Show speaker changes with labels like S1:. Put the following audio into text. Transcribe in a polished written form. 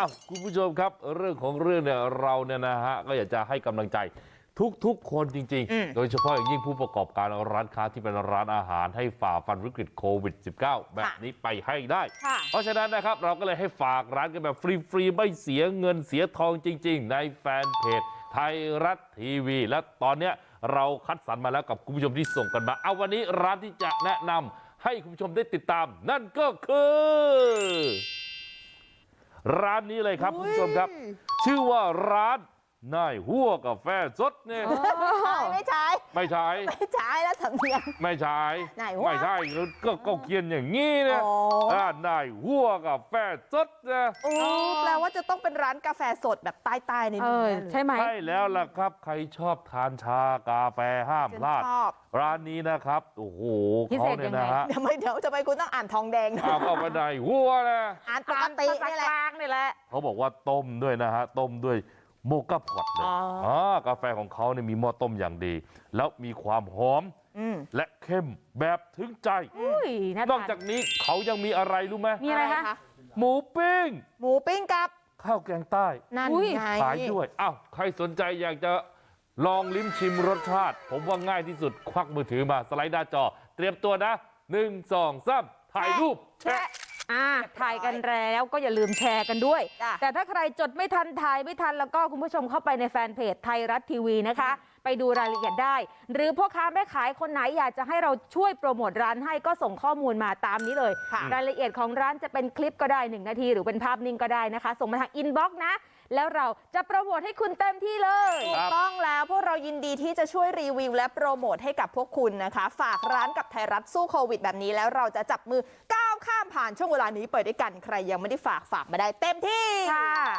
S1: คุณผู้ชมครับเรื่องของเรื่องเนี่ยเราเนี่ยนะฮะก็อยากจะให้กำลังใจทุกคนจริงๆโดยเฉพาะอย่างยิ่งผู้ประกอบการร้านค้าที่เป็นร้านอาหารให้ฝ่าฟันวิกฤตโควิด -19 แบบนี้ไปให้ได้เพราะฉะนั้นนะครับเราก็เลยให้ฝากร้านกันแบบฟรีๆไม่เสียเงินเสียทองจริงๆในแฟนเพจไทยรัฐทีวีและตอนเนี้ยเราคัดสรรมาแล้วกับคุณผู้ชมที่ส่งกันมาเอาวันนี้ร้านที่จะแนะนำให้คุณผู้ชมได้ติดตามนั่นก็คือร้านนี้เลยครับคุณผู้ชมครับชื่อว่าร้านนายหัวกาแฟสดเนี่ย
S2: ไม่ใช่แล้วสำเนียง
S1: ไม่ใช่ไม่ใช่ก็เขียนอย่างนี้เนี่ยนายหัวกาแฟสดนะ
S2: แปลว่าจะต้องเป็นร้านกาแฟสดแบบใต้ๆในนี้
S1: ใช่ไหมใช่แล้วล่ะครับใครชอบทานชากาแฟห้ามพลาดร้านนี้นะครับโอ้โหเขาเนี่ยนะฮะ
S2: เดี๋ยวจะไปคุณต้องอ่านทองแดง
S1: เอาไปนายหัวนะ
S2: อ่านปกตินี่แหละ
S1: เขาบอกว่าต้มด้วยนะฮะต้มด้วยโมกาพอตเลยกาแฟของเขาเนี่ยมีหม้อต้มอย่างดีแล้วมีความหอมและเข้มแบบถึงใจนอกจากนี้เขายังมีอะไรรู้ไหม
S2: มีอะไรคะ
S1: หมูปิ้ง
S2: กับ
S1: ข้าวแกงใต้
S2: นั่นไง
S1: ขายด้วยใครสนใจอยากจะลองลิ้มชิมรสชาติผมว่าง่ายที่สุดควักมือถือมาสไลด์หน้าจอเตรียมตัวนะ1 2 3ถ่ายรูปแชะ
S3: ถ่ายกันแล้วก็อย่าลืมแชร์กันด้วยแต่ถ้าใครจดไม่ทันถ่ายไม่ทันแล้วก็คุณผู้ชมเข้าไปในแฟนเพจไทยรัฐทีวีนะคะไปดูรายละเอียดได้หรือพ่อค้าแม่ขายคนไหนอยากจะให้เราช่วยโปรโมทร้านให้ก็ส่งข้อมูลมาตามนี้เลยรายละเอียดของร้านจะเป็นคลิปก็ได้1 นาทีหรือเป็นภาพนิ่งก็ได้นะคะส่งมาทางอินบ็อกซ์นะแล้วเราจะโปรโมทให้คุณเต็มที่เลย
S2: ถูกต้องแล้วพวกเรายินดีที่จะช่วยรีวิวและโปรโมทให้กับพวกคุณนะคะฝากร้านกับไทยรัฐสู้โควิดแบบนี้แล้วเราจะจับมือก้าวข้ามผ่านช่วงเวลานี้ไปด้วยกันใครยังไม่ได้ฝากมาได้เต็มที่
S3: ค่ะ